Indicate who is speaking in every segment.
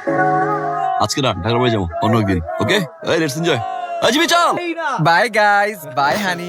Speaker 1: আজকে না ঢাকার বাড়ি যাবো অন্য একদিন। Okay, let's enjoy. জিমি চল।
Speaker 2: Bye guys, bye honey.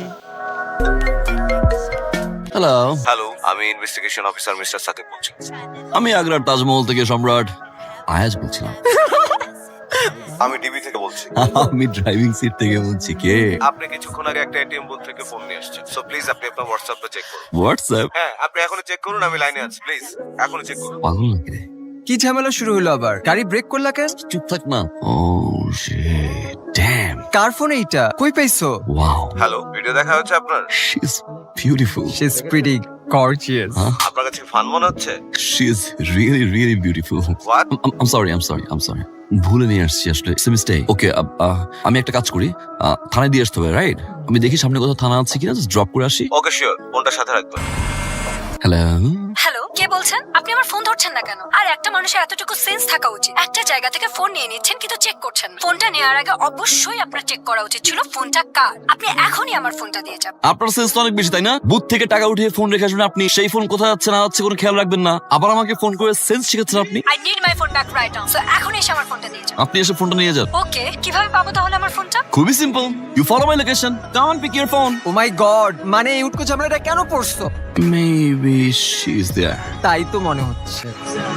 Speaker 1: Hello,
Speaker 3: hello, আমি ইনভেস্টিগেশন অফিসার মিস্টার সাকিব বলছি।
Speaker 1: আমি আগ্রার তাজমহল থেকে সম্রাট আয়াজ বলছিলাম।
Speaker 3: আমি ডিবি থেকে বলছি।
Speaker 1: আমি ড্রাইভিং সিট থেকে বলছি। কে?
Speaker 3: আপনি কিছুক্ষণ আগে একটা এটিএম বুথ থেকে ফোন নিয়ে আসছেন। সো প্লিজ আপনি আপনার হোয়াটসঅ্যাপে চেক করুন।
Speaker 1: হোয়াটসঅ্যাপ?
Speaker 3: হ্যাঁ, আপনি এখনই চেক করুন, আমি লাইনে আছি। প্লিজ এখনই চেক করুন।
Speaker 1: পাগল নাকি রে?
Speaker 2: কি ঝামেলা শুরু হলো আবার? গাড়ি ব্রেক করলা কেন?
Speaker 1: চুপ থাক না। Oh shit, damn.
Speaker 2: কার ফোন এইটা? কই পাইছো?
Speaker 1: ওয়াও,
Speaker 3: হ্যালো, ভিডিও দেখা হচ্ছে আপনার?
Speaker 1: She is beautiful.
Speaker 2: She is pretty gorgeous.
Speaker 3: আপনার কাছে ফান মনে হচ্ছে?
Speaker 1: She is really really beautiful.
Speaker 3: What?
Speaker 1: I'm sorry. ভুলে নিয়ে আসছি আসলে। It's a mistake. ওকে, আমি একটা কাজ করি, থানায় দিয়ে আসতে হবে, রাইট? আমি দেখি সামনে কোথাও থানা আছে কিনা, জাস্ট ড্রপ করে আসি।
Speaker 3: ওকে শিওর, ফোনটা সাথে রাখবেন।
Speaker 1: হ্যালো,
Speaker 4: হ্যালো, কে বলছেন? আপনি আমার ফোন ধরছেন না কেন? আর একটা মানুষের এতটুকু সেন্স থাকা উচিত। একটা জায়গা থেকে ফোন নিয়ে নিচ্ছেন কিন্তু চেক করছেন না। ফোনটা নেওয়ার আগে অবশ্যই আপনার চেক করা উচিত ছিল ফোনটা কার। আপনি এখনই আমার ফোনটা দিয়ে যান।
Speaker 1: আপনার সেন্স তো অনেক বেশি, তাই না? বুথ থেকে টাকা উঠিয়ে ফোন রেখে আসবেন আপনি, সেই ফোন কোথায় যাচ্ছে না যাচ্ছে কোনো খেয়াল রাখবেন না, আবার আমাকে ফোন করে সেন্স শিখাচ্ছেন আপনি।
Speaker 4: I need my phone back right now. So এখনই এসে আমার ফোনটা দিয়ে যান।
Speaker 1: আপনি এসে ফোনটা নিয়ে যান।
Speaker 4: ওকে, কিভাবে পাবো তাহলে আমার ফোনটা?
Speaker 1: খুবই simple, you follow my location, come and pick your phone.
Speaker 2: Oh my god, মানে এই উটকো ঝামেলাটা কেন পড়ছো?
Speaker 1: Maybe she is there.
Speaker 2: তাই তো মনে হচ্ছে।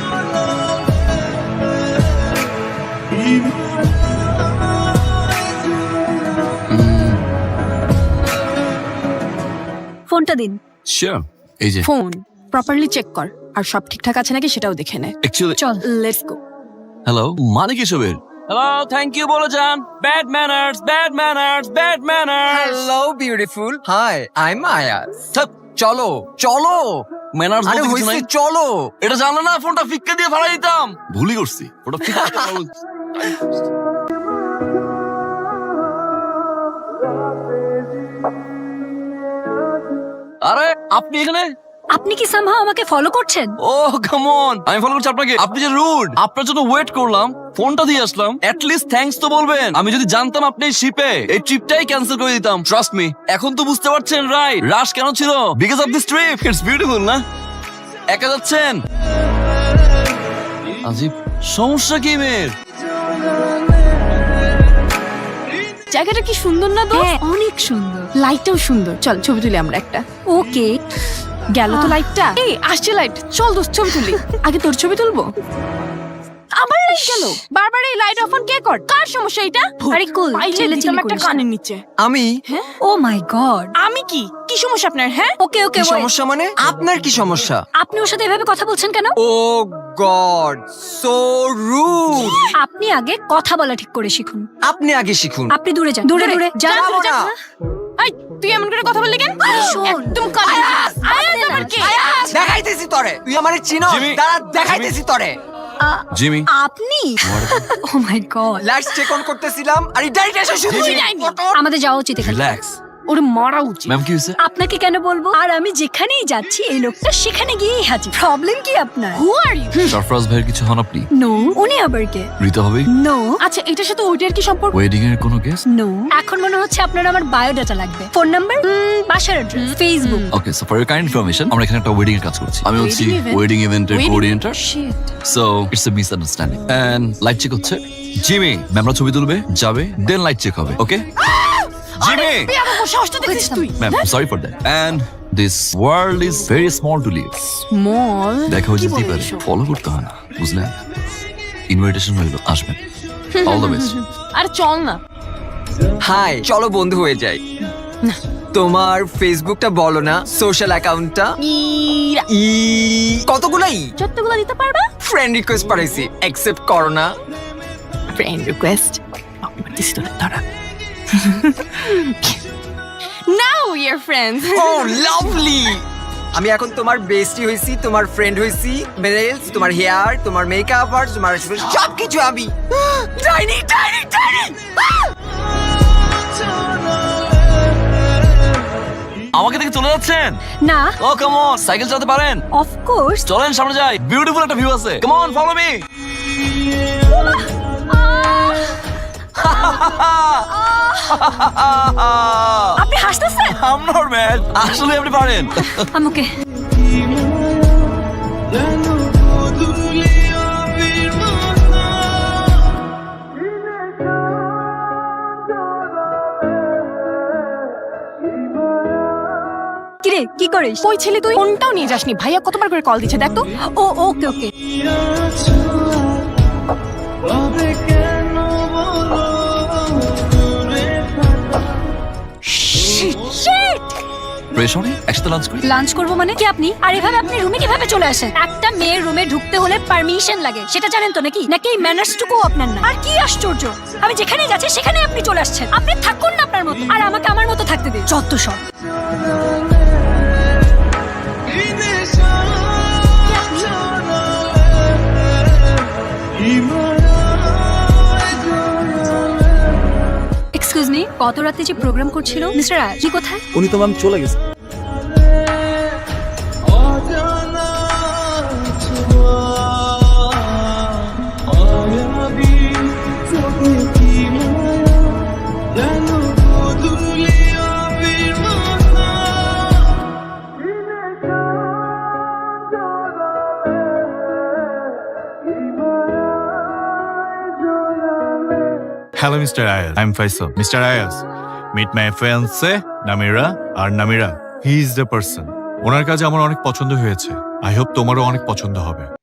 Speaker 4: ফোনটা দিন।
Speaker 1: শিওর, এই যে।
Speaker 5: ফোন প্রপারলি চেক কর আর সব ঠিকঠাক আছে নাকি সেটাও দেখে নে।
Speaker 1: অ্যাকচুয়ালি,
Speaker 4: চল।
Speaker 5: Let's go.
Speaker 1: হ্যালো, মানে কি সবের? হ্যালো, থ্যাংক ইউ বলে যান। Bad manners, bad manners, bad manners.
Speaker 2: Hello beautiful, hi I am Ayaz. চলো চলো,
Speaker 1: ম্যানার্স
Speaker 2: আরে
Speaker 1: বলতে কিছু
Speaker 2: হইছে,
Speaker 1: নাই।
Speaker 2: চলো।
Speaker 1: এটা জানলে না ফোনটা ফিক্কা দিয়ে ভাড়া দিতাম। ভুলই করছি, ওটা ফিক্কা দিয়ে ভাড়া দিতাম। আরে আপনি এখানে?
Speaker 4: আপনি কি সামহাও আমাকে ফলো করছেন?
Speaker 1: ও কাম অন, আমি ফলো করছি আপনাকে। আপনি যে রুড, আপনার জন্য ওয়েট করলাম, ফোনটা দিয়ে আসলাম, এট লিস্ট থ্যাঙ্কস তো বলবেন। আমি যদি জানতাম আপনি শিপে, এই ট্রিপটাই ক্যান্সেল করে দিতাম। ট্রাস্ট মি, এখন তো বুঝতে পারছেন রাইট রাশ কেন ছিল? Because of this trip. It's beautiful না? একা যাচ্ছেন? আজিব, সমস্যা কি মেয়ের?
Speaker 5: জায়গাটা কি সুন্দর না দোস্ত?
Speaker 4: হ্যাঁ, অনেক সুন্দর।
Speaker 5: লাইটটাও সুন্দর। চল ছবি তুলি আমরা একটা।
Speaker 4: ওকে,
Speaker 5: গেল তো লাইটটা। এই আসছে লাইট, চল দোস্ত ছবি তুলি। আগে তোর ছবি তুলবো। আবার লাইট গেল। বারবার এই লাইট অফ অন কে কর? কার সমস্যা এটা?
Speaker 4: আরে কুল,
Speaker 5: পাইলে
Speaker 4: চিল্লাচিল্লি
Speaker 5: দিতাম একটা
Speaker 4: করিস না।
Speaker 5: কানের নিচে।
Speaker 2: আমি?
Speaker 4: Oh my god.
Speaker 5: আমি কি কি সমস্যা আপনার? হ্যাঁ
Speaker 4: ওকে ওকে,
Speaker 2: কি সমস্যা মানে? আপনার কি সমস্যা?
Speaker 4: আপনি ওর সাথে এভাবে কথা বলছেন কেন?
Speaker 2: Oh god, so rude.
Speaker 4: আপনি আগে কথা বলা ঠিক করে শিখুন।
Speaker 2: আপনি আগে শিখুন।
Speaker 4: আপনি দূরে যান, দূরে দূরে যান।
Speaker 2: যাবো না।
Speaker 5: এই তুই এমন করে কথা বললি কেন?
Speaker 4: শোন।
Speaker 5: একদম কানে। আয়াজ আবার কে?
Speaker 2: দেখাইতেছি তরে, তুই আমারে চিনো?
Speaker 1: জিমি,
Speaker 2: দাঁড়া, দেখাইতেছি তরে।
Speaker 1: জিমি,
Speaker 4: আপনি? Oh my god.
Speaker 2: Lights check on করতেছিলাম আর এই ডাইরেক্ট এসে শুধু
Speaker 5: তুই যাইনি।
Speaker 4: আমাদের যাওয়া উচিত এখানে।
Speaker 1: রিল্যাক্স।
Speaker 5: ওর মারা উচিত।
Speaker 1: ম্যাম কি হয়েছে?
Speaker 4: আপনাকে কেন বলবো? আর আমি যেখানেই যাচ্ছি এই লোকটা সেখানে গিয়েই হাজির। প্রবলেম কি আপনার?
Speaker 5: হু আর ইউ?
Speaker 1: সরফরাজ ভাইয়ের কিছু হন আপনি?
Speaker 4: নো। উনি আবার কে?
Speaker 1: ঋতা হবে?
Speaker 4: নো
Speaker 5: আচ্ছা এটার সাথে ওইটার কি সম্পর্ক?
Speaker 1: ওয়েডিং এর কোনো গেস্ট?
Speaker 4: নো। এখন মনে হচ্ছে আপনার আমার বায়োডাটা লাগবে। ফোন নাম্বার, বাসার address, Facebook.
Speaker 1: Okay, so for your kind information, আমরা এখানে একটা ওয়েডিং এর কাজ করছি। আমি হচ্ছি
Speaker 5: Wedding event?
Speaker 1: ওয়েডিং ইভেন্টের
Speaker 5: Wedding-
Speaker 1: coordinator.
Speaker 5: Shit.
Speaker 1: So it's a misunderstanding and light check হচ্ছে। জিমি, ম্যামরা ছবি তুলবে, যাবে, দেন লাইট চেক হবে। Okay Jimmy?
Speaker 5: তুই আমার সাহসটা দেখছিস তুই?
Speaker 1: Ma'am sorry for that. And this world is very small to live.
Speaker 5: Small.
Speaker 1: দেখা হয়ে যেতেই পারে, ফলো করতে হয় না, বুঝলেন? ইনভিটেশন হইলো, আসবেন। All the best.
Speaker 5: আরে চল না।
Speaker 2: হাই, চলো বন্ধু হয়ে যাই। তোমার ফেসবুকটা বলো না, সোশ্যাল অ্যাকাউন্টটা।
Speaker 5: ইরা
Speaker 2: ই কতগুলাই
Speaker 5: যতগুলো দিতে পারবা?
Speaker 2: ফ্রেন্ড রিকোয়েস্ট পাঠাইছি, অ্যাকসেপ্ট করো না।
Speaker 5: ফ্রেন্ড রিকোয়েস্ট দিস তো তারা। Now we are friends.
Speaker 2: Oh lovely, আমি এখন তোমার বেস্টি হইছি, তোমার ফ্রেন্ড হইছি, মেরেলস, তোমার হেয়ার, তোমার মেকআপ আর তোমার সবকিছু আমি। ডাইনি ডাইনি ডাইনি।
Speaker 1: আমাকে দেখে চলে যাচ্ছেন?
Speaker 4: না,
Speaker 1: ও কাম অন, সাইকেল চালাতে পারেন?
Speaker 4: Of course.
Speaker 1: চলেন সামনে যাই, বিউটিফুল একটা ভিউ আছে। Come on, follow me.
Speaker 4: আপনি হাসতেছেন?
Speaker 1: I'm not mad. আসলে আপনি পারেন।
Speaker 4: আমাকে কিরে কি করিস?
Speaker 5: কই ছিলি তুই? ফোনটাও নিয়ে যাসনি। ভাইয়া কতবার করে কল দিচ্ছে দেখ তো।
Speaker 4: ও ওকে ওকে।
Speaker 1: প্রেশনে একসাথে লাঞ্চ করি।
Speaker 4: লাঞ্চ করবো মানে কি আপনি? আর এভাবে আপনি রুমে কিভাবে চলে আসেন? একটা মেয়ের রুমে ঢুকতে হলে পারমিশন লাগে, সেটা জানেন তো নাকি? নাকি এই ম্যানার্সটুকু আপনার না? আর কি আশ্চর্য, আমি যেখানে যাচ্ছি সেখানে আপনি চলে আসছেন। আপনি থাকুন না আপনার মতো, আর আমাকে আমার মতো থাকতে দিন। যত সব। এক্সকিউজ মি, গত রাতে যে প্রোগ্রাম করছিল মিস্টার রাজ কি কোথায়?
Speaker 6: উনি তো ম্যাম চলে গেছে।
Speaker 7: Hello, Mr. Ayaz. I'm Faisal. Mr. Ayaz, meet my fiancée, Namira. R Namira, he is the person. ওনার কাছে আমার অনেক পছন্দ হয়েছে। I hope তোমারও অনেক পছন্দ হবে।